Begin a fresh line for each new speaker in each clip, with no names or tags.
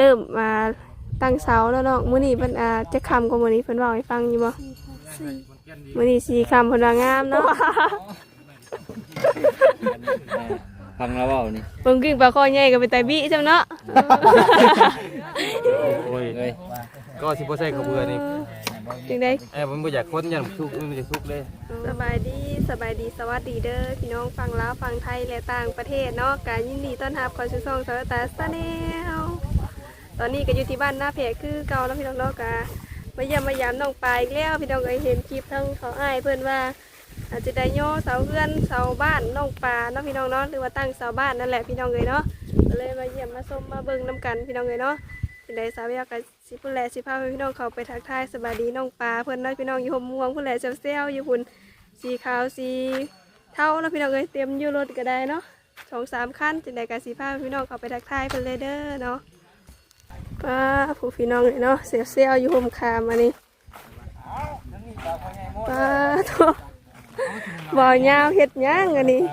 ริ่มมาตั้งเสาแล้วเนาะมื้อนี้เพิ่นจะคำกว่ามื้อนี้เพิ่นเว้าให้ฟังอยู่บ่มื้อนี้4คำเพิ่นว่างามเนาะ
ฟังแล้วเปล่านี่
เบิ่งกิ้งปลาคอใหญ่ก็ไปไตบิจังเนาะ
โอ้ยก็สิบ่ใส่ข้าวเบื่อนี่
จังได๋
ผมบ่อยากคนยันสุกมันจะสุกเลย
สบายดีสวัสดีเด้อพี่น้องฟังลาวฟังไทยและต่างประเทศเนาะก็ยินดีต้อนรับเข้าสู่ช่องสาวตาชาแนลตอนนี้ก็อยู่ที่บ้านหน้าเพจคือเก่าแล้วพี่น้องเนาะก็มาเยี่ยมมายามน้องปลายอีกแล้วพี่น้องก็เห็นคลิปทั้งเขาอ้ายเพิ่นว่าอาจจะได้ย่อเสาเรือนเสาบ้านน้องปลาเนาะพี่น้องเนาะหรือว่าตั้งเสาบ้านนั่นแหละพี่น้องเลยเนาะก็เลยมาเยี่ยมมาชมมาเบิ่งน้ำกันพี่น้องเลยเนาะเป็นไดสาวอยากสิพุ่นแลสิพาพี่น้องเขาไปทักทายสบายดีน้องปลาเพิ่นเนาะพี่น้องอยู่ห่มม่วงพุ่นแลเซลอยู่พุ่นสีขาวสีเท่าเนาะพี่น้องเลยเตรียมอยู่รถก็ได้เนาะ2-3 คันจังได๋ก็สิพาพี่น้องเขาไปทักทายเพิ่นเลยเด้อเนาะป้าผู้พี่น้องเลยเนาะเซลอยู่ห่มคามอันนี้ป้าโตบ่ยาวเฮ็ดหยังอันนี้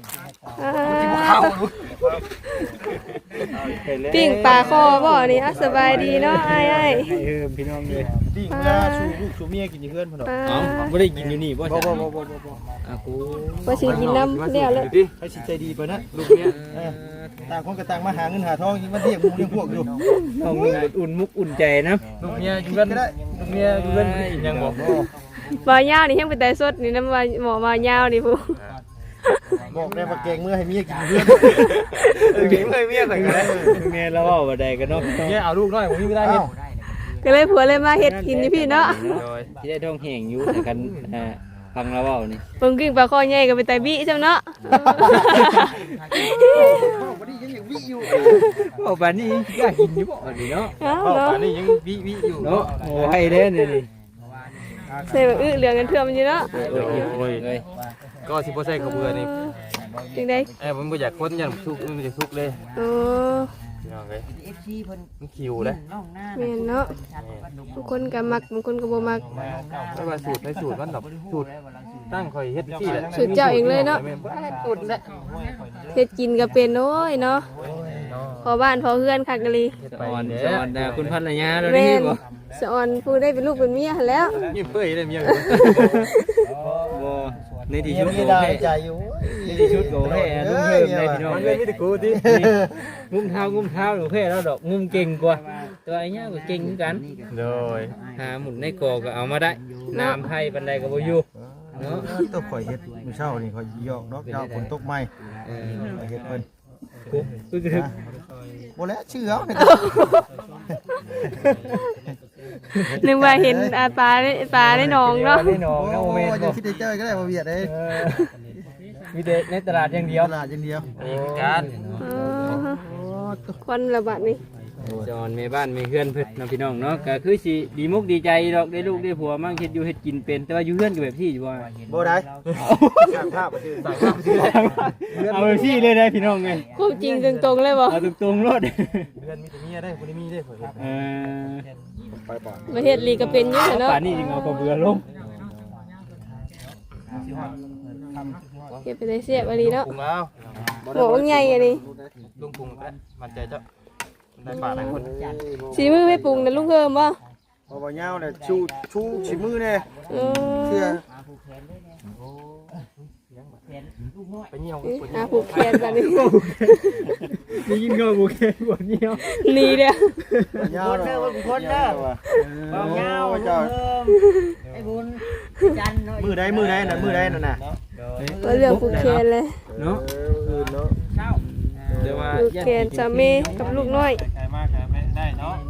ปิ้งปลาคอบ่นี่สบายดีเนาะอ้ายๆ
พี่น้องเลย
ปิ้งเวลาชูลูกชูเมียกินอยู่เพื่อนพ่อเนาะ
ไม่ได้กินอยู่นี่บ่
บ่
กู
ว่าสิกินน้ำเดียวเลย
ให้สิใจดีไปนะ
ลูกเนี้ย
ต่างคนก็ต่างมาหาเงินหาทองมันเรียกหมู่เรียกพวกอยู่
ต้องอุ่นมุกอุ่นใจนะ
ลูกเนี้ยอยู่กันลูกเนี้ยอยู่กันยังบอก
บ่ยาวนี่ยังเป็นแต่สดนี่น้ำว่าหมอบ่ยาวนี่ผู้
บอกได้ว่าแกงเมื่อให้เมียกินเพื่อน
กินเลยเมียใส่กัน
เมียเราเอาบ่ได้กันเนาะ
เมียเอาลูกน้อยผมไม่ได้เห็น
ก็เลยผัวเลยมาเฮ็ดกินนี่พี่เนาะ
ที่ได้ท้องแห้งอยู่แต่กันฟังแล้วเปล่านี่
เบิ่งกิ้งปลาคอใหญ่ก็ไปไตบิจังเนาะ
วันนี้ยังวิอยู่
บ่ปานนี้อยากกินอยู่บ่นี่เนาะ
เนาะ
ป่านนี้ยังวิอยู่
เนาะโอ้ให้เด้นี่
ใส่แบบเหลืองกันเทื่อมันอยู่เนาะ
โอ้ยก็สิบ่ใส่ข้าวเบื่อนี่
จังได๋
ผมบ่อยากคนยันสุกมันจะสุกเลย
โอ้
ยังไงมันคิวเลย
แม่นเนาะบางคนก็มักบางคนก็บ่มัก
ไม่ว่าสูตรไม่สูตรมันดอกสูตรตั้งคอยเฮ็ดที่แหละ
สูตรเจ้าเองเลยเนาะ
สูตรแหละ
เฮ็ดกินก็เป็นโอ้ยเนาะพอบ้านพอเฮือนคักกะลี
สอนคุณภรรยาเรา
แม่
นี่
น
บ่
สอนผู้ได้เป็นลูกเป็นเมียหั่นแล้ว
นี่เปื่อยเลยเมีย
บ่ในที่
เมีย
ชุด
มี
โก
ดาว
แพ้
ใจอยู่
ในที่ชุดโกแพ้ลุงเพิ่มได้พี่น้อง
มัน
เล
ไม่
ย
ได้กูที่
งุ้มเท้หนูแพ้แล้วดอกงุ้มเก่งกว่าตัวไอ้เนี้ยก็เก่งเหมือนกัน
โดย
หาหมุนในกอก็เอามาได้น้ำไผ่ปันใดก็บ่อยู่เนาะ
ต้องข่อยเฮ็ดมื้อเช้านี่ข่อยยอกดอกเจ้าฝนตกใหม่ข่อยเฮ็ดเพิ่น
กูคือ
บ่แล้วชื่อเอาเนี่ย
นึกว่าเห็นปลาในหนองเนาะ
ได้น้องนะโม
โอ้
เมน
ย
ต์
ยังคิดได้เจอก็ได้บ่เวียดเด้
มีแต่ในตลาดอย่างเดียว
ตลาดอย่างเดียว
นี่การ
ควันระบาดนี่
จอนแม่บ้านแม่เฮือนเพิ่นน้องพี่น้องเนาะก็คือสิดีมุกดีใจดอกได้ลูกได้ผัวมั่งเฮ็ดอยู่เฮ็ดกินเป็นแต่ว่าอยู่เฮือนก็แบบที่อยู่ว่า
บ่ได้สั่งภาพมาชื่อสั่งภาพ
เอาแบบที่เลยได้พี่น้องไง
ความจริงตรงๆเลยบ่
เอาตรงๆรถ
เพื่อนมีแต่เมียได้คนนี้มีได้ข่อย ไปป่ะ
มาเฮ็ดลีก็เป็นอยู่เนาะ
ป่านนี้จึงเอากระเบือลง
เก็บไปได้เสียบอันนี้เนาะ
ปรุงแล้ว
หมอว่าไงอันนี้
ลุงปรุงแล้วมันใจเจ้าได้ปลาหลายคน
สีมือไม่ปรุงนะลุงเพิ่มบ่
บ่ยาวเนี่ยชูชิมือเนี่ย
เอ
เสื้อ
ไปเหี่ยว
ผูกแขนแบบนี้
นี่ยิงเงาบุกเกบวเนี้ย
นี่เด้อ
ยาวเด้อคนเด้อบ่ยาวเจ้า
ไอ้บุญจัน
มือใดนั่นมือใดนั่นน่ะ
ก็เรื่องผูกแขนเลย
เนาะ
เนาะ
เช้า
เดี๋ยวว่า
ผูกแขนสามีกับลูกน้อย
ใครมากใครไม่ได้เนาะ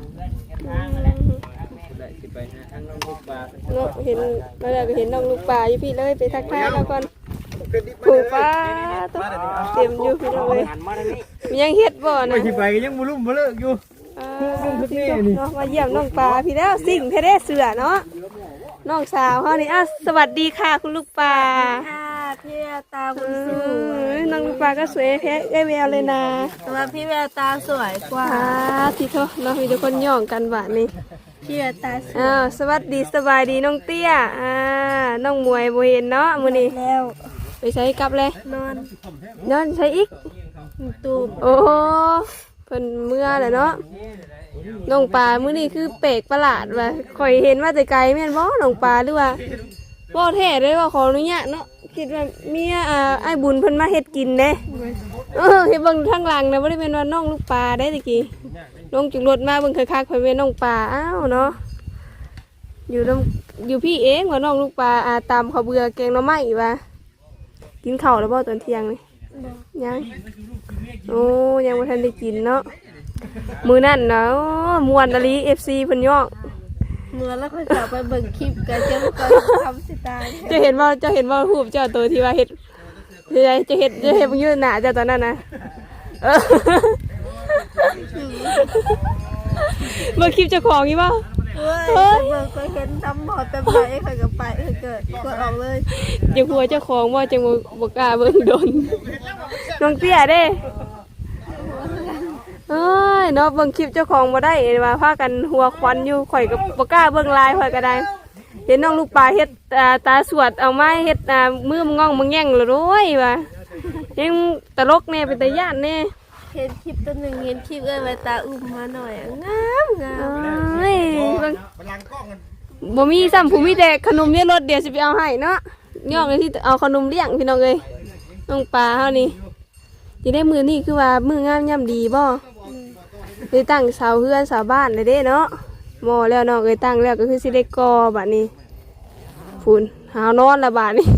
ได้สิไปหาทางน้องลูกปลา
เนาะเห็นมาแล้วก็เห็นน้องลูกป่าอยู่พี่เลยไปทักทายแล้วก่อนผูกป้าต้องเต็มอยู่พี่น้องเลยมียังเฮ็ดบ่
ไป
นะ
สิไปก็ยังบ่ลุ่มบ่เลิกอยู่
เนาะมาเยี่ยมน้องปลาพี่แล้วสิ่งแท้ๆเสือเนาะน้องสาวเฮานี่สวัสดีค่ะคุณลูกป่า
ค่ะพี่แววตาคุ
เอ
ณสวย
น้องลูกป่าก็สวยแพ้ได้แววเลยนะ
แต่ว่าพี่แววตาสวยกว่า
ที่เขาเนาะมีทุกคนย่องกันบ้านนี้
พี่แววตาสวย
สวัสดีสบายดีน้องเตี้ยน้องมวยบ่เห็นเนาะมื้อนี้
แล้ว
ไปใช้กลับเลย
นอน
นอนใช้อีก
ตูบ
โอ้เพิ่นเมื่อแหละเนาะน้องปลามื้อนี้คือแปลกประหลาดว่ะข่อยเห็นมาแต่ไกลแม่นบ่น้องปลาหรือว่าบ่แท้เลยว่าขออนุญาตเนาะคิดว่าเมียไอ้บุญเพิ่นมาเฮ็ดกินเด้เฮ็ดเบิ่งทางหลังนะบ่ได้แม่นว่าน้องลูกปลาได้ตะกี้ลงจากรถมาเบิ่งคักๆเพิ่นเป็นน้องปลาอ้าวเนาะอยู่พี่เองว่าน้องลูกปลาตำข้าวเบื่อแกงหน่อไม้ว่ากินข้าวแล้วบ่ตอนเที่ยงนี่ยังโอ้ยังบ่ทันได้กินเนาะมื้อนั้นเนาะม่วนอลี FC เพิ่นยอก
เมื่อแล้วค่อยกลับไปเบิ่งคลิปกันเจ้าก็ทำสิตาย
จะเห็นว่ารูปเจ้าตัวที่ว่าเฮ็ดจะเฮ็ดบ่ยืนหน้าเจ้าตอนนั้นนะเมื่อคลิปเจ้าของนี่บ่
เฮ้ยเบิ่งก็เห็นทำหมอเต็มไปค่อยก็ไปเกิดกดออกเลย
จะกลัวเจ้าของบ่จังบ่กล้าเบิ่งโดนน้องเตี้ยเด้เอ้ยเนาะเบิ่งคลิปเจ้าของบ่ได้ว่าพากันหัวควันอยู่ข่อยก็บ่กล้าเบิ่งลายข่อยก็ได้เห็นน้องลูกปลาเฮ็ดตาสวดเอาไม้เฮ็ดมือมันง่องมันแง่งเลยโว้ยว่ายังตลกแน่เป็นตาย่านแน่
เห็นคลิปตัวหนึ่งเห็นคลิปใบตาอุ้มมาหน่อยงาม
เอ้ยเบิ่งบ่มีซ้ำผู้มีแต่ขนมเนี่ยรถเดี๋ยวสิไปเอาให้เนาะย่องเลยที่เอาขนมเลี้ยงพี่น้องเอ้ยน้องปลาเฮานี่สิได้มื้อนี้คือว่ามื้องามย่ำดีบ่ได้ตั้งเสาเฮือนเสาบ้านเลยเด้เนาะหม้อแล้วน้องเอ้ยตั้งแล้วก็คือสิได้ก่อบัดนี้ฝุ่นหาวนอนละบาดนี้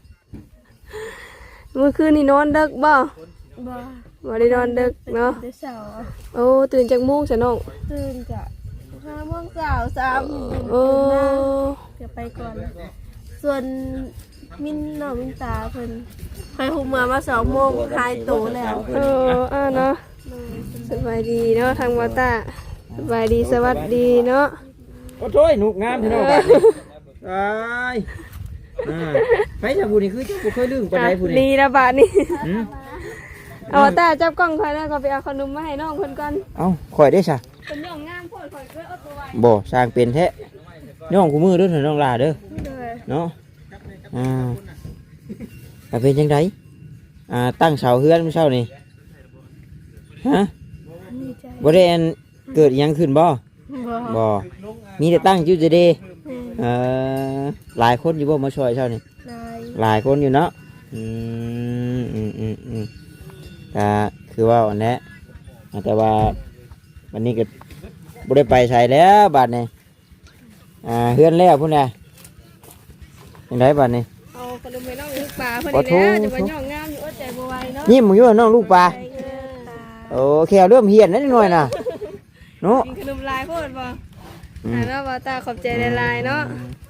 มื้อคืนนี่นอนดึกบ่ บ่ได้นอนดึกเนาะ
เดี๋ยวเช้า
โอ้ตื่นจากมุ้งซะน้อง
ตื่นกะ5 โมงเช้า3
โอ้
จะไปก่อนส่วนมินน้องมินตาเพิ่นไปหุมเมื่อมา2 โมงหายโตแล้ว
เออเนาะสบายดีเนาะทางวาตาสบายดีสวัสดีเนาะ
โอ้โธ่หนุกงามพี่น้องบัดนี้ตายไปจากผู้นี่คือเจ้าบ่เคยลืมปานใดผู้
ดี
นี่
ละบาทนี่
หืม
เอาวาตาจับกล้องคอยแล้วก็ไปเอาขนมมาให้น้องเพิ่นก่อน
เอ้าข่อยได้ซะ
เป็นย่องงามโพดข่อยก็เอาตัวไว้
บ่สร้างเป็นแท้น้องกูมือเด้อน้องลาเด้อเนาะเป็นจังไดตั้งเสาเฮือนมื้อเช้านี่ฮะบ่ได้อันเกิดอิหยังขึ้นบ่บ่มีแต่ตั้งอยู่จะเด้หลายคนอยู่บ่มาช่วยเช้านี่หลายคนอยู่เนาะก็คือว่าอันนี้แต่ว่าวันนี้ก็บ่ได้ไปใช้แล้วบัดนี้เฮือนแล้วพุ่นน่ะจังไดบัดนี้
เอาขนมให้น้องลูกปลาเพิ่นนี่แหละจะมาย่องงามอยู่อดใจบ่ไหวเนาะ
ยิ้มมึงอยู่น้องลูกปลาโอ้แค่เริ่มเหียนนิดหน่อยน่ะเนาะ
กินขนมลายโพดบ่แล้ววาตาขอบใจหลายๆเนาะ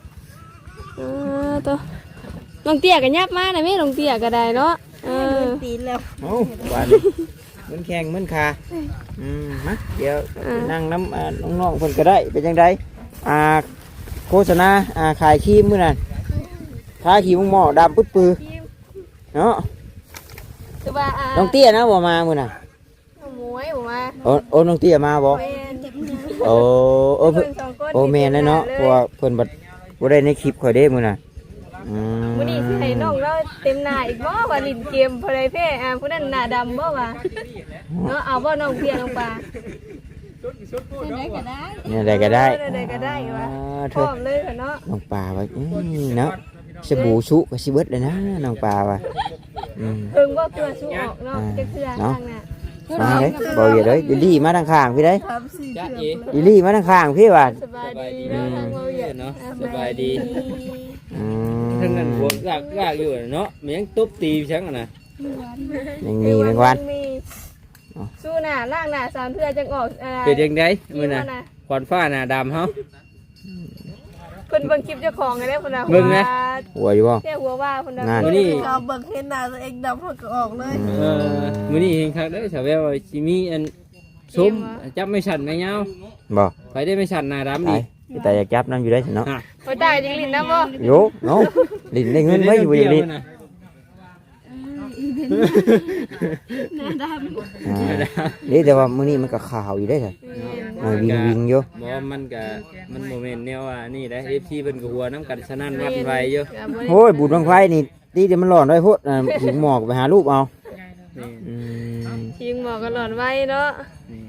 ตัวน้องเตี้ยก็ยับมานะแม่น้องเตี้ยก็ได้เนาะ
ตีแล้ว
โอ้บาดมันแข็งมันขามาเดี๋ยวนั่งน้ำน้องๆเพิ่นก็ได้เป็นจังไดโฆษณาขายครีมมื้อนั้นทาครีมหม้อดำปึ๊ดปือเนาะ
คือว่า
น้องเตี้ยนะบ่มามื้อน่ะ
หมวยบ่มา
โอ้น้องเตี้ยมาบ่โอ้เพิ่นโอ้แม่นแล้วเนาะเพราะว่าเพิ่นบ่ได้ในคลิปข่อยเด้มื้อน่ะ
มื้อนี้สิให้น้องเราเต็มหน้าอีกบ่ว่าลิ้นเกมพอได้แพ้ผู้นั้นหน้าดำบ่ว่าเนาะเอาบ่น้องเพียน้องปลาได้ก็ได้
เนี่ยได้ก็ได้
ได้ก็ได้ว่าพร้อมเลยเนาะ
น้องปลาว่าเนาะสบู่สุก็สิเบิดเลยนะน้องปลาว่า
เพิ่งบ่ตัวสู้ออกเนาะจักเทื่อทางน่ะ
มาเด้บ่อย่าเด้ดิลี่มาทางข้างพี่เด้
จ้าเอ๋
ดิลี่มาทางข้างพี่ว่า
สบายดีเนาะทางเราเนาะ
สบายดีทั้งนั้นหัวลากอยู่เนาะมันยังตุ๊บตีฉันน่ะยังมีแมงวัน
สู้หน้าล่างหน้า3เทื่อจังออก
เป็นจังได๋มื้อน่ะควันฟ้าหน้าดำเฮา
เพิ่นเบิ่งคลิปเจ้าของกันได้เพิ่นน่ะ
เบิ่งนะหัวอยู่บ่
แค่หัวว่าเพิ่นน่ะ
มื้อนี้
เราเบิ่งเห็นหน้าตัวเองดำเพิ่นก็ออกเลย
มื้อนี้เห็นคักเด้อชาวแววว่าสิมีอันซุ้มจับไม่สั่นไม่ยาวบ่ไปได้ไม่สั่นหน้าดำนี่แต่อยากจับนำอยู่ได้เนาะ
โอ้ยตายจริงลิ้นนำบ่
โยเนาะลิ้นได้เงินไว้อยู่อย่างนี้นี่แต่ว่ามื้อนี้มันก็ขาวอยู่ได้ค่ะวิ่งอยู่บ่มันโมเมนต์แนวว่านี่ได้ FC เพิ่นก็หัวน้ำกันสนั่นวัดไว้อยู่โอ้ยบุญบังไฟนี่ตีเดี๋ยวมันร้อนไว้พุ่นหิวหมอกไปหารูปเอา
หิวหมอกก็ร้อนไว้เนาะ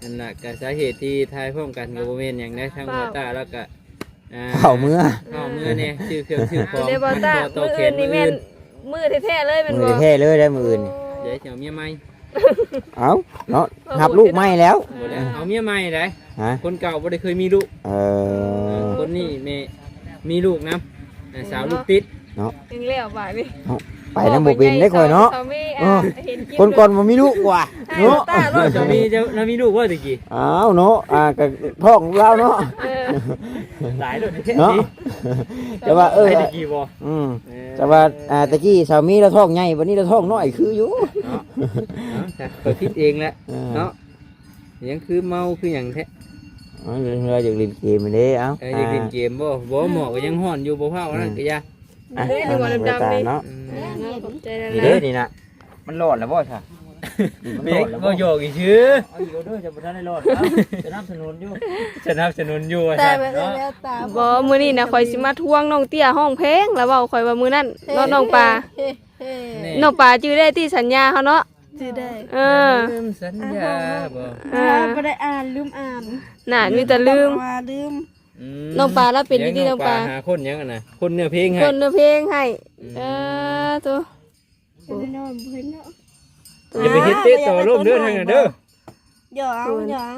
นั่นแหละก็สาเหตุที่ทายพร้อมกันกับโมเมนต์อย่างได้ทั้งหัวตาแล้วก็
เข้าเมื่อ
เข้าเมื่อเนี่ยชื่อเครื่องชื่อของ
เดี๋ยวบ่ตา
โต
มือ
เข
อื่
น
นนี่แม่นมือแท้ๆเลยแม่น
มื
บ่
อแท้เลยได้มืออื่น
เดี๋ยวจะเอาเมียใหม่
เอาเนาะหับลูกไม่แล้ว
บ่ได้เอาเมียใหม่ได้
ฮะ
คนเก่าบ่ได้เคยมีลูก คนนี้มีลูกนะสาวลูกติด
ยังแล้วบาดนี่
ไปน้ำบุปินได้ค่อยเนาะ คนก่อนมันมีลูกกว่าเนาะ
จะมีลูกว่าตะกี้
อ้าวเนาะกับท้องเราเนาะ
หลายเลย
เนาะแต่ว่า
ตะกี้บ่
แต่ว่าตะกี้สามีเราท้องใหญ่วันนี้เราท้องน้อยคืออยู่
เนาะเปิดคิดเองแหละเนาะยังคือเมาคืออย่างแท้
เราอยากเล่นเกมไปเลยเอ้า
อยากเล่นเกมบ่หมอก็ยังห่อนอยู่บ่เผานั่นก็ยา
เฮ้ยนึกว่าดำๆนี่
เนาะ
ขอบใจ
นี่
นะ
เด้อนี่นะมันรอดแล้วบ่ใช่
เด็กบ่โยกอีชื่อ
เอาอยู่เด้อจะบ่ทันได้รอดจะนำสนุนอยู่
สนับสนุนอยู่
แต่
ใช่
แบบ
เนาะ
แล้วตา
บ่มื้อนี้นะข่อยสิมาทวงน้องเตี้ยห้องเพลงแล้วเว้าข่อยว่ามื้อนั้นน้องปลา
เฮ้เฮ้
น้องปลาจื้อได้ที่สัญญาเฮาเนาะ
จื้อได้
ลืมสัญญาบ่
ไม่ได้อ่านลืมอ่าน
น่ะมีแต่ลืม
ว่าลืม
น้องปลาแล้วเป็นดีๆน้องปลา
หาคนยังน่ะคนเนื้อเพลงให้
คนเนื้อเพลงให้ตัว
เป็นนอนเพื่อนเนาะ
อย่าไปเฮ็ดเตะต่อร่มเด้อทางนั้นเด้อ
หยองหยอง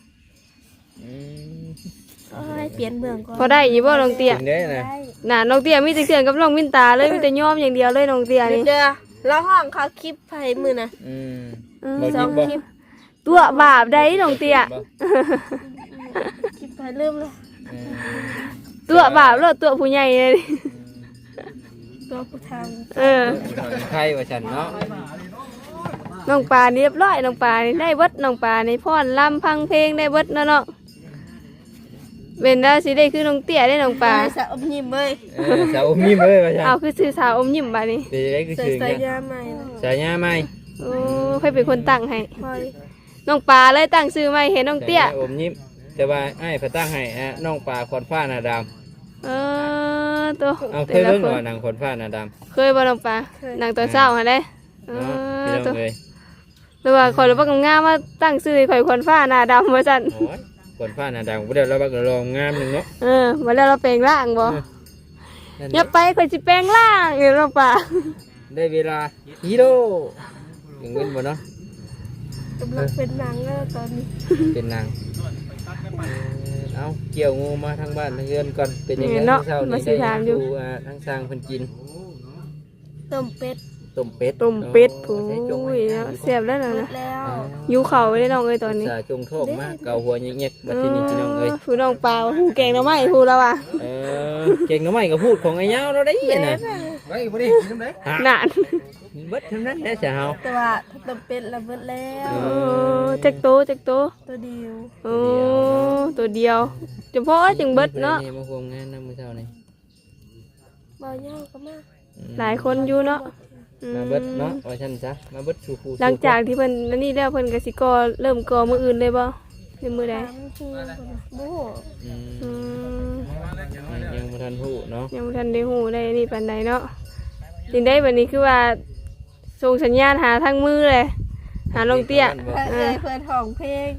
เปลี่ยนเบื้องก่อน
พอได้อยู่บ่น้องเตี้ย
ถึงได้นะ
น่ะน้องเตี้ยมีแต่เสียงกับน้องมินตาเลยมีแต่ยอมอย่างเดียวเลยน้องเตี้ยนี่
เดี๋ยวแล้วห้องเขาคลิปไฟมือนะ
บ่
ส
ยิ
อง
บ่
คลิป
ตัวบาปได้น้องเตี้ย
คลิปไฟเริ่มเลย
ตัวบาปแล้วตัวผู้ใหญ่เลย
ตัวผู้ท
ใครว่าฉันเนาะ
น้องปลานี่เรียบร้อยน้องปลานี่ได้เบิดน้องปลานี่พ่อนลำพังเพลงได้เบิดเนาะเนาะเป็นได้สิได้คือน้องเตี้ยได้น้อง
ำ
ปลา
สะอมยิ้มเลย
สาวอมยิ้มเอ้ยว่าฉัน
เอาคือสื่อสาวอมยิ้มบาดนี้
เดี๋ยวได้คือ
ใส่
ชื่อ
ใส่
เนี่ย
ยาใหม่
สายญาใหม่
โอ้ใครเป็นคนตั้งให้
พอย
น้องปลาเลยตั้งชื่อใหม่เห็นน้องเตี้ย
อมยิ้มแต่ว่าไอ้พระตั้งให้น้องปลาขอนฟ้าหน้าดำ
ตัว
เอาเคยเบิ่งว่าหนังขอนฟ้าหน้าดำ
เคยบ่น้องปลานั่งตอนเช้าหั่นเด้
เนาะพี่น้องเอ้ย
หรือว่าข่อยรู้ว่างามมาตั้งชื่อให้ข่อยคนฟ้าหน้าดำว่าซั่น
โอ้ยขอนฟ้าหน้าดำบ่ได้แล้วบักลองงามนึงเนาะ
มาแล้วเราแปลงร่างบ่อย่าไปข่อยสิแปลงร่างเด้น้องปลา
ได้เวลาฮีโร่ยังเงินบ่เนาะ
กำลังเป็นหนังแล้วตอนนี้
เป็นนางเอาเกี่ยวงูมาทางบ้านทางเรือนก่อนเป็นยังไง
เนาะ
เช้า
มา
นี้
สิ
ได้
ถามอยู่
ดูทางสร้างเพิ่นกิน
ต้มเป็ด
ต้มเป็ด
ต้มเป็ด
โอ้
ผู้
ใช้จง
ยเนาะแซ่บแล้ว
หม
นะ
ดแล้ว
อยู่เขาไว้ได้น้องเอ้ยตอนนี้
สาจงโทษมาเกาหัวเงียบๆบัดทีนี้พี่น้องเอ้ย
ผู้น้องปลาผู้แกงหน่อไม้ผู้แล้วอ่ะ
เก่งหน่อไม้ก็พูดของไอ้เหย้าเราได้ยินน่ะ
ไว้บ่ได้กินน้ำได้
นาน
เบิดเท่านั้นแหละจ้ะเฮา
แต่ว่าต้มเป็ดแล้วหมดแล้ว
จักโตจักโต
ตัวเดียว
โอ้ตัวเดียวเฉพาะจึงเบิดเนาะ
มาควงงานนำมื้อเช้านี่
บ่เย่าก็มา
หลายคนอยู่เนาะ
มาเบิดเนาะว่าซั่นซะมาเบิดสู่ผู้
หลังจากที่เพิ่นนั่นนี่แล้วเพิ่นก็สิก่อเริ่มก่อมื้ออื่นเลยบ่ในมื้อใด
ถามคือโอ้โห
อืม
ยังบ่ทันฮู้เนาะ
ยังบ่ทันได้ฮู้ได้นี่ปานใดเนาะจึงได้บัดนี้คือว่าส่งสัญญาณหาทางมือเลยหาน้องเตี้ย
เอ้ยเพื่อนห้องเพลง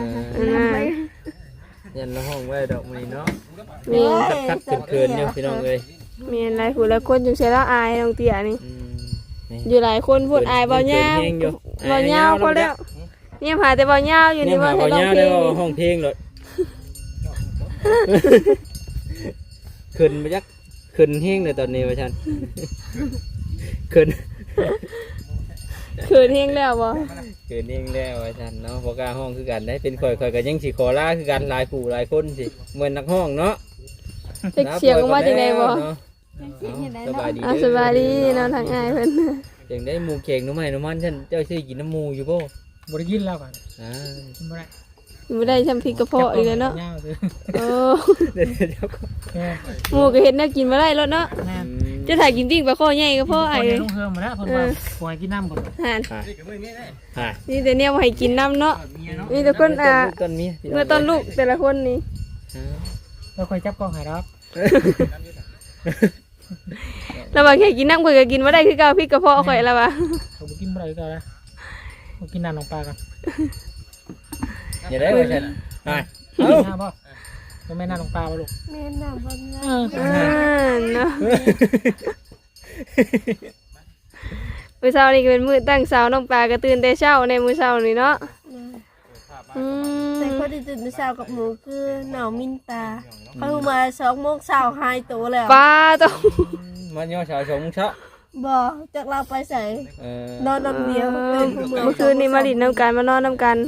ยันละห้องไว้ดอกมื้อนี้เนาะ
มี
คักๆเขินๆอยู่พี่น้องเอ้ย
มีหลายผู้หลายคนจงใช้แล้วอายน้องเตี้ยนี่
นี่
อยู่หลายคนพูดอายเบาหญ้าเบาหญ้าพอแล้วเนี่ยหาแต่เบาหญ้าอยู่นี่ว่าให้ร้องเพลง
ห้องเพลงเลยขึ้นมาจักขึ้นแห้งเลยตอนนี้ว่าฉันขึ้น
คืนเฮงแล้วบ่
ขึ้นแห้งแล้วว่าฉันเนาะพอกล้าห้องคือกันได้เป็นข่อยกันยังสิขอลาคือกันหลายผู้หลายคนสิเหมือนนักห้องเนาะ
จะเสียงออกมาจังได๋บ่
สบายดี
สบายดีนอนทางอายเพิ่น
จังได้หมูเข่งน้ำมันฉันเจ้าซื้อกินน้ำหมูอยู่บ่
บริยินแล้วก่อน
อ่า
กินบ่ได้
บ่ได้ทำพริกกระเพาะอีกแล้วเนาะ
ยาวเลย
โอ้
เดี๋ยวก็
แม่
หมูก็เฮ็ดแนวกินบ่ได้แล้วเนาะ
แม่
จะถ่ายกินปิ้งปลาข้อใหญ่ก็พอไอ้
คน
เล
ใน
ย
ลุงเฮิมมาแล้วคนว่าปล่อยกินน้ำก่อน
หั่น
อ่า
นี่แต่เนี่ยบ่ให้กินน้ำเนาะมีแต่คน
ต้นเมีย
เมื่อตอนลูกแต่ละคนนี่
แล้วค่อยจับกล้องให้รับ
แล้วว่าแค่กินน้ำข่อยก็กินบ่ได้คือเก่าพริกกระเพาะข่อยแล้วว่า
เขาไปกินบ่ได้ก็แล้วเขากินน้ำลงปลากัน
อย่าได้ว่าฉันนาย
เอ้า
เอ้า
บ่บ่แม่นหน้าลงปลาบ่ลูก
แม่น้ำบางงา
เนาะมื้อเช้านี่ก็เป็นมื้อตั้งเช้าน้องปลาก็ตื่นแต่เช้าในมื้อเช้านี่เนาะอืม
แต่คนที่ตื่นเช้ากับหมูคือหนาวมินตาเขามา2 โมงเช้าหายตัวแล้ว
ปลาต้อง
มันย่อชาวชงเช้า
บ่จากเราไปใส่
เออน
อนลำเดียวตื่นเมื่อ
เมื่อคืนนี้มาดินน้ำกันมานอนน้ำกัน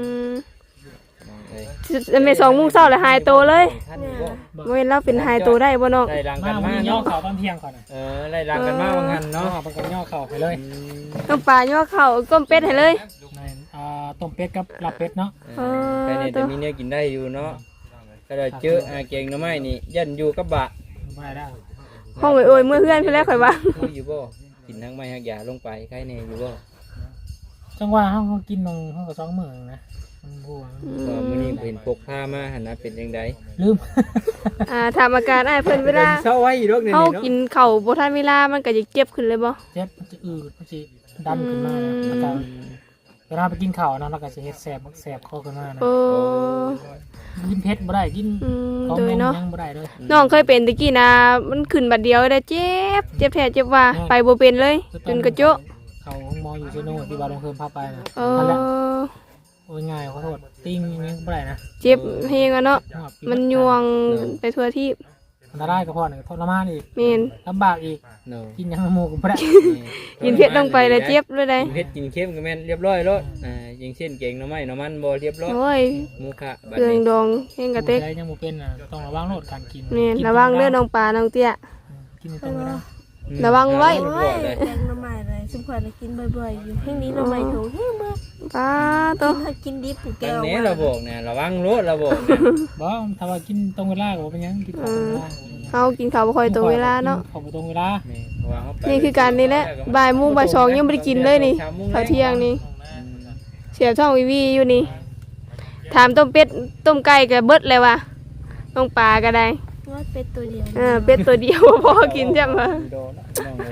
จะไม่2 โมงเช้าเลยหายตัวเลย
ท่านบ่
บ่เห็นเราเป็นหายตัวได้บ่น้อง
ไล่รัง
มา
กัน
วัน
มา
นี้ย่อ
เนาะ
เข่าตอนเที่ยงก่อนน่ะ
ไล่รังกันมาว่างั้น
เนาะ
เนาะ
เพิ่นก็ย่อเข่าไปเลย
น้องปลาย่อเข้าก้มเป็ดให้เลย
ในต้มเป็ดกับลาบเป็ดเนาะ
ใครเนี่ยจะมีเนื้อกินได้อยู่เนาะก็ได้เจอเก่งหน่อไม้นี่ยันอยู่กับบะ
บ่ได้
ห้องโอยๆเมื่อเพื่อนเพิ่นแล้วข่อยว่า
คุยอยู่บ่กินทั้งไม้หักยาลงไปใครเนี่ยอยู่บ่
จังว่าเฮากินนงเฮาก็2 มื้อนะมันบวง
ก็มื้อนี้เห็นพกผ้ามาหั่นนะเป็นจังได๋
ลืม
ถามอาการอ้ายเพิ่นเวลา
เช้าไว้อีดอกนี่
เฮา
เนาะ
กินข้าวบ่ทันเวลามันก็จะเจ็บขึ้นเลยบ่
เจ็บมันจะอืดมันสิดันขึ้นมานะแล้วก็เวลาไปกินข้าวนะแล้วก็สิเฮ็ดแสบคอขึ้นมานะ
โอ้
กินเผ็ดบ่ได้กิน ของ
โดย
นม
เนาะ
ยังบ่ได้เลย
น้องเคยเป็นตะกี้นะมันขึ้นบัดเดียวได้เจ็บแท้เจ็บว่าไปบ่เป็นเลยจนกระโจะ
เขาห้องหมออยู่เชโน่ที่บาลงเพิ่มพาไปนะ
เอ
นั่นแหละ
อ
โอ้ยง่ายขอโทษติ้งยังบ่ได้นะ
เจ็บเฮงอะเนาะ
ครับ
มันยวงไปทั่วที่
อันตรายกับพ่อเนี่ยทรมานอีก
แม่น
ลำบากอีก
เนาะ
กินยังน้ำมูกก็บ่ได้
กินเผ็ดลงไปแล้วเจ็บเลยได้
กินเผ็ดกินเค็มก็แม่นเรียบร้อยแล้วอย่างเช่นเก่งหน่อไม้หน่อมันบ่เรียบร้อย
โอ้ย
หมูคะบัด
เครื่อง
นี้
ดองเฮงกระเต็ก
ผู้ใดยังบ่เป็นน่ะต้องระวังโลดการกิน
แม่นระวังเด้อน้องปลาน้องเตี้ย
กินตรงนี้นะ
ระวังไว้
โอ้ยแกงหน่อไม้เลยสมควรจะกินบ่อยๆอยู่ให้นี้หน่อไม้ถูกให้เมื่อ
ปลาตัว
ถ้ากินดิบถูกแก้
อัน
ว
นี้เราบอกเนี่ยระวังรถเราบอกเนี่ย
บ่ถ้าว่ากินตรงเวลาก็บ่เป็นหยังกินตรงเวลา
เฮากินข้าวบ่ค่อยตรงเวลาเนาะ
เข้าบ่ตรงเวลา
แม่เพราะว่าเขาไป
นี่คือการนี่แหละบ่ายโมงบ่ายสองยังบ่ได้กินเลยนี่ข้าวเที่ยงนี่เสียบท้องวีอยู่นี่ถามต้มเป็ดต้มไก่ก็เบิดเลยว่ะน้องปลาก็ได้
ว่าเป็ดตัวเดียว
เป็ดตัวเดียวพอกินจ้ะมา
โดนน้องเลย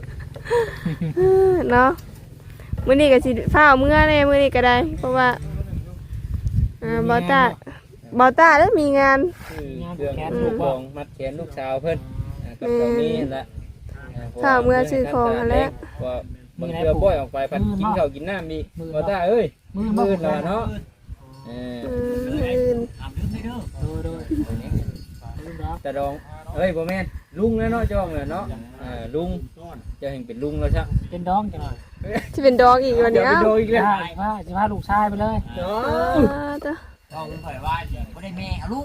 เนาะมื้อนี้ก็สิฟ้าวมื้อแน่มื้อนี้ก็ได้ เพราะว่าบอต้าได้มีงาน
เครื่องลูกของมัดแขนลูกสาวเพิ่นกับตรงนี้แหละ
ข้าวเมื่อซื้อของหั่นแหละ
ว่าบางเทื่อบ่อยออกไปพัดกินข้าวกินน้ำมีบ่ได้เอ้ยมื้อแล้วเนาะ
อื่น
โดย
แต่ดองเอ้ยบ่แม่นลุงแล้วเนาะจ้องเลยเนาะลุงจะเห็นเป็นลุงแล้วซะ
เป็นดองจังหน่อย
สิเป็นดองอีกวัน
เดี๋ย
นี้
วไป
เอ้า
โดนอีกแล้ว
สิพาลูกชายไปเลย
เนา
ตัว
บ่ได้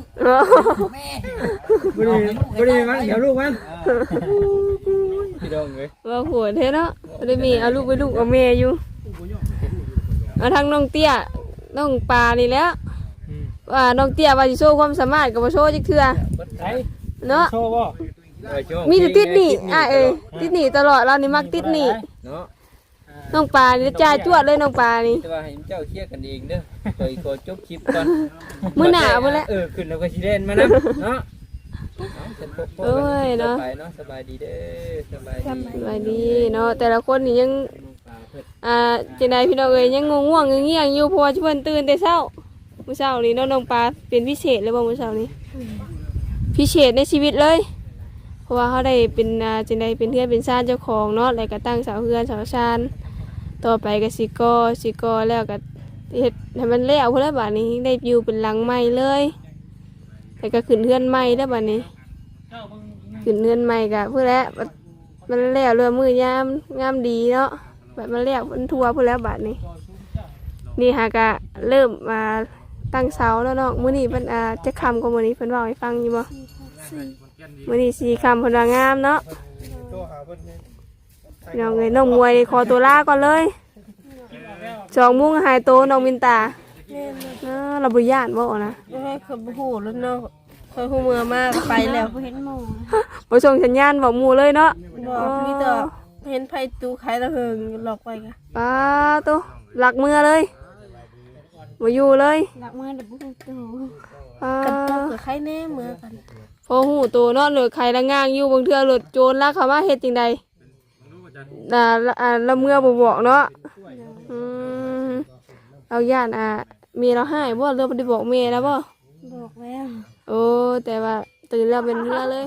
มันเดี๋ยวลูกมันพี่ดองเอ้ย
ว่าหัวเท่เนาะบ่ได้มีเอาลูกไปลูกเอาแม่อยู่เอาทางน้องเตี้ยน้องปลานี่แหล้วว่าน้องเตี้ยว่าสิโชว์ความสามารถก็บ่โชว์จักเทื่อ
ไป
เนาะ
โชว์บ่
มีแต่ติดหนี่ติดหนี่ตลอดเรานี่มักติดหนี่
เนาะ
น้องปลานี่จ่ายจวดเลยน้องปลานี่
แต่ว่าให้เจ้าเคลียร์กันเองเด้อขอจบคลิปก่อน
มื้อหน้าพุ่นแหละ
ขึ้นแล้วก็สิเล่นมานํเนาะ
โอ้ยเนาะ
ไปเนาะสบายดีเด้อสบายดี
สบายดีเนาะแต่ละคนนี่ยังจังไดพี่น้องเอ้ยยังง่วงๆเงียงๆอยู่เพราะว่าเพิ่นตื่นแต่เช้ามื้อเช้านี้เนาะน้องปลาเป็นพิเศษเลยบ่มื้อเช้านี้พิเศษในชีวิตเลย เพราะว่าเขาได้เป็นจังไดเป็นเพื่อนเป็นชาติเจ้าของเนาะแล้วก็ตั้งเสาเฮือนเสาชานต่อไปก็สิก่อแล้วก็เฮ็ดให้มันแล้วพุ่นละบัดนี้ได้อยู่เป็นหลังใหม่เลยแล้วก็ขึ้นเฮือนใหม่แล้วบัดนี้ขึ้นเฮือนใหม่ก็พุ่นแล้วมันแล้วเรื่องมือยามดีเนาะแบบมันแล้วมันทั่วพุ่นแล้วบัดนี้นี่หากะเริ่มมาตั้งเสาแล้วเนาะมื้อนี้เพิ่นจะค่ำกว่ามื้อนี้เพิ่นเว้าให้ฟังอยู่บ่มื้อนี้สีคำเพิ่นว่างามเนาะน้องน้องมวยขอตัวลาก่อนเลย2 โมงหายโตน้องมินตาเราบ่ย่านบ่นะ
โอ้ยเคยหูแล้วเนาะเคยหูเมื่อมาไปแล้วเห็นหมู
บ่ส่งสัญญาณบอกหมู่เลยเนาะ
บอกมีแต่เห็นไผตูขายตะเหิงหลอกไปกัน
ป้าโตหลักมือเลยบ่อยู่เลย
หลักมือเด็กบุกตู
ป้า
กันตกกับใครแน่เมื่อกัน
พอหูโตเนาะเหลือใครละง่างอยู่บางเทื่อหลุดโจรลักเข้ามาเฮ็ดจังไดละเมื่อบ่บอกเนาะเอาย่านเมียเราให้บ่เรือบ่ได้บอกเมียแล้วบ่
บอกแล้ว
โอ้แต่ว่าตื่นแล้วเป็นเรือเลย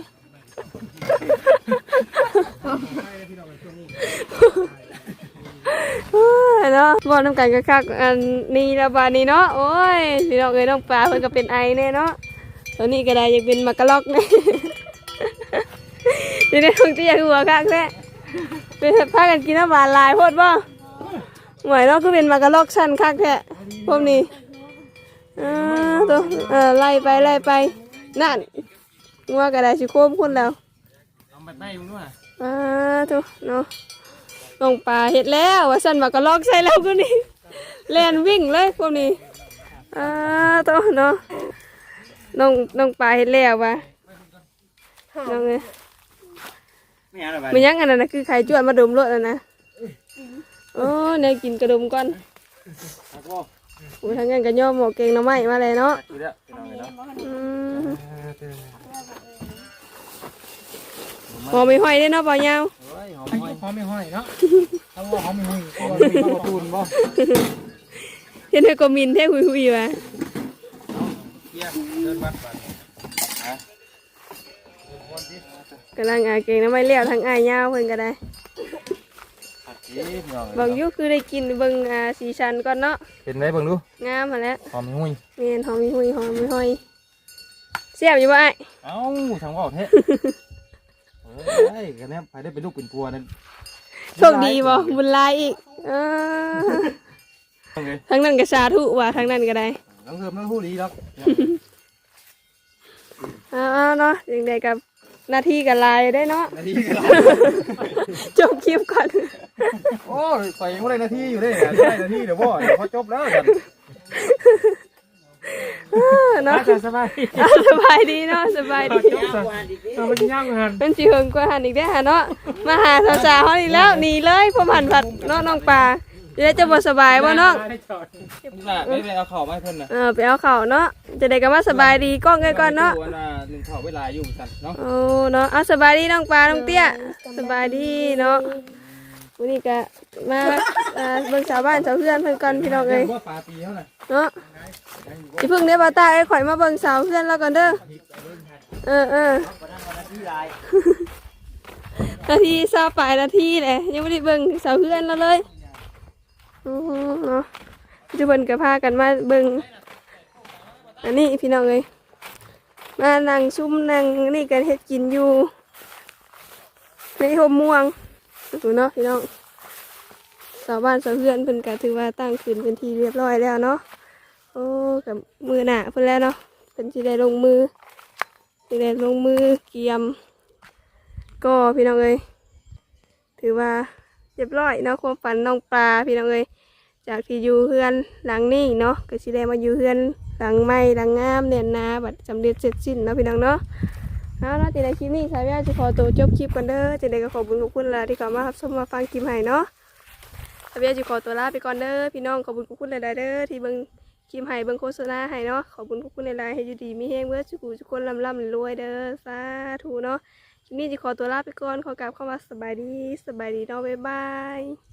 เนาะบ่น้ำกันคักๆอันนี้ละบาดนี้เนาะโอ้ยพี่น้องเอ้ยน้องปลาเพิ่นก็เป็นไอแน่เนาะตัวนี้ก็ได้ยังเป็นมักกะลอกแน่ นี่ได้คงจะอยากหัวคักแท้เป็นพากันกินน้ำหวานลายโพดบ่หวยเนาะก็เป็นมักกะลอกชั้นคักแท้พวกนี้ตัวไล่ไปนั่นงัวก็ได้สิโค้มคุณแล้ว
เอาแบบไหนมึงด้วย
ตัวเนาะน้องปลาเห็ดแล้วว่าสั่นมักกะลอกใส่แล้วพวกนี้แล่นวิ่งเลยพวกนี้ตัวเนาะน้องปลาเห็ดแล้วว่ะน้องเอ้ย
ไม่เอาอะไร
มันยังอันนั้นนะคือไข่จวดมาดมรถแล้วนะโอ้เนี่ยกินกระดมก่อนโอ้ทั้งงั้นก็ย่อหมอเก่งหน้ำไม้มาเลยเนาะหอมไม่ห้อยได้เนาะเปล่าเงา
หอมไม่ห้อยเนาะเอาหอมไม่ห้อย
ตูนบ่
เห็นเธอก็มินเท่หุยๆว่ะ
เดินวัดไป
กำลังเก่งหน้ำไม้เลี้ยวทั้งเงาเพิ่นก็ได้บางยุคือได้กินเบิ่งสีชันก่อนเนาะ
เป็นไหนเบิ่งดู
งามมาแล้ว
หอมหุ้ย
เมียนหอมหุยหอมห้อยเสียบอยู่บ่ไอ้
เอ้าทางว่าเทะเฮ้ยกันแน่ไปได้เป็นลูกเป็นตัวนั่น
โชคดีบ่บุญหลายอีกทั้งนั้นก็สาธุว่ะทั้งนั้นก็ได้
น้องเริ่มน้องหู้ดีแล้ว
เนาะยังไงกับหน้าที่กับลายได้เนาะ
นาทีกัน
จบคลิปก่อน
โอ้ยไปยังไม่ได้นาทีอยู่ได้ได้นาทีเดี๋ยวพ่อพอจบแล้วกัน
เนาะ
สบาย
สบายดีเนาะสบายดี
เราไปย่างกัน
เป็นจีเฮิงกว่าหันอีกได้อฮะเนาะมาหาสาวๆเขาอีกแล้วหนีเลยพอหันผัดเนาะน้องปลาจะได้จะบ่สบายบ่น้อง
ไม่เอาเข่ามาให้เพิ่นนะ
ไปเอาเข่าเนาะจะได้กันว่าสบายดีกล้องก่อนเนาะ
หนึ่งเข่าเวลาอยู่กันเนาะ
โอ้เนาะเอาสบายดีน้องปลาน้องเตี้ยสบายดีเนาะวันนี้ก็มาเบิ่งชาวบ้านชาวเพื่อนเพิ่นก่อนพี่น้องเอ้ย
ว่าปลาปีเท่าไหร่
เนาะสิเพิ่งได้บ่ตาไอ้ข่อยมาเบิ่งสาวเพื่อนแล้วก่อนเด้อนาทีซาปลายนาทีแหละยังไม่ได้เบิ่งสาวเพื่อนแล้วเลยเนาะทุกคนก็พากันมาเบิ่งอันนี้พี่น้องเอ้ยมานั่งซุ่มนั่งนี่กันเฮ็ดกินอยู่ในห่มม่วงดูเนาะพี่น้องชาวบ้านชาวเพื่อนเพิ่นก็ถือว่าตั้งขึ้นเป็นที่เรียบร้อยแล้วเนาะโอ้กับมือหนาเพิ่นแล้วเนาะเพิ่นสิได้ลงมือเกียมก็พี่น้องเอ้ยถือว่าเรียบร้อยเนาะความฝันน้องปลาพี่น้องเอ้ยจากที่อยู่เฮือนหลังนี้เนาะก็สิได้มาอยู่เฮือนหลังใหม่หลังงามแน่นหนาบัดสำเร็จเสร็จสิ้นเนาะพี่น้องเนาะเอาเนาะในคลิปนี้สายแววจะขอตัวจบคลิปกันเด้อจะได้ก็ขอบคุณละที่เข้ามารับชมมาฟังคลิปให้เนาะสายแววจะขอตัวลาไปก่อนเด้อพี่น้องขอบคุณหลายๆเด้อที่เบิ่งคลิปให้เบิ่งโฆษณาให้เนาะขอบคุณหลายๆให้อยู่ดีมีแฮงเมื่อทุกคนร่ำรวยเด้อสาธุเนาะคลิปนี้จะขอตัวลาไปก่อนขอกราบเข้ามาสบายดีเนาะบ๊ายบาย